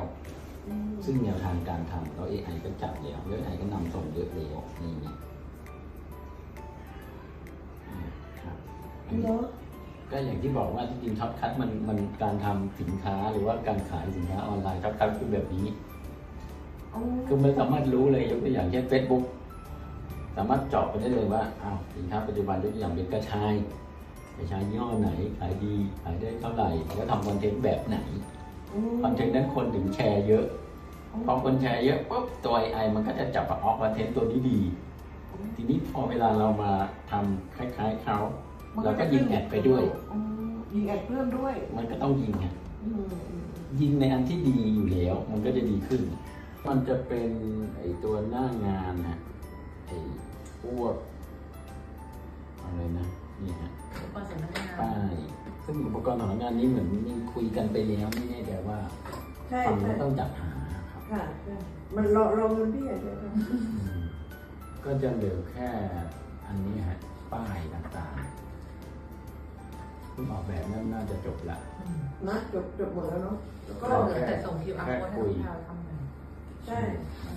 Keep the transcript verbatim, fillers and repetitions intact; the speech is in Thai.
ซึ่งแนวทางการทำเรา เอ ไอ ก็จับแล้วแล้ว เอ ไอ ก็นำส่งเยอะแล้วนี่ไงครับก็อย่างที่บอกว่าจริงๆช็อตคัทมันมันการทำสินค้าหรือว่าการขายสินค้าออนไลน์ช็อตคัทคือแบบนี้คือมันสามารถรู้เลยยกตัวอย่างเช่น Facebook สามารถเจาะไปได้เลยว่าอ้าวสินค้าปัจจุบันยกตัวอย่างเป็นกระชายกระชายยี่ห้อไหนขายดีขายได้เท่าไหร่แล้วทำคอนเทนต์แบบไหนคอนเทนต์นั้นคนถึงแชร์เยอะพอคนแชร์เยอะปุ๊บตัว เอ ไอ มันก็จะจับว่าออกคอนเทนต์ตัวนี้ดีทีนี้พอเวลาเรามาทำคล้ายๆเขาเราก็ยิงแอดไปด้วยยิงแอดเพิ่มด้วยมันก็ต้องยิงไงยิงในอันที่ดีอยู่แล้วมันก็จะดีขึ้นมันจะเป็นไอตัวหน้างานนะไอพวกอะไรนะนี่ฮะป้ายซึ่งอุปกรณ์ของงานนี้เหมือนมีคุยกันไปแล้วไม่แน่ใจว่าฟังแล้วต้องจัดหาครับค่ะมันรอรอเงินพี่ใช่ไหมก็จะเหลือแค่อันนี้ฮะป้ายต่างๆคุณออกแบบนั้นน่าจะจบละนะจบจบหมดแล้วเนาะแล้วก็แต่ส่ง คิว อาร์ โค้ดให้เราทำใช่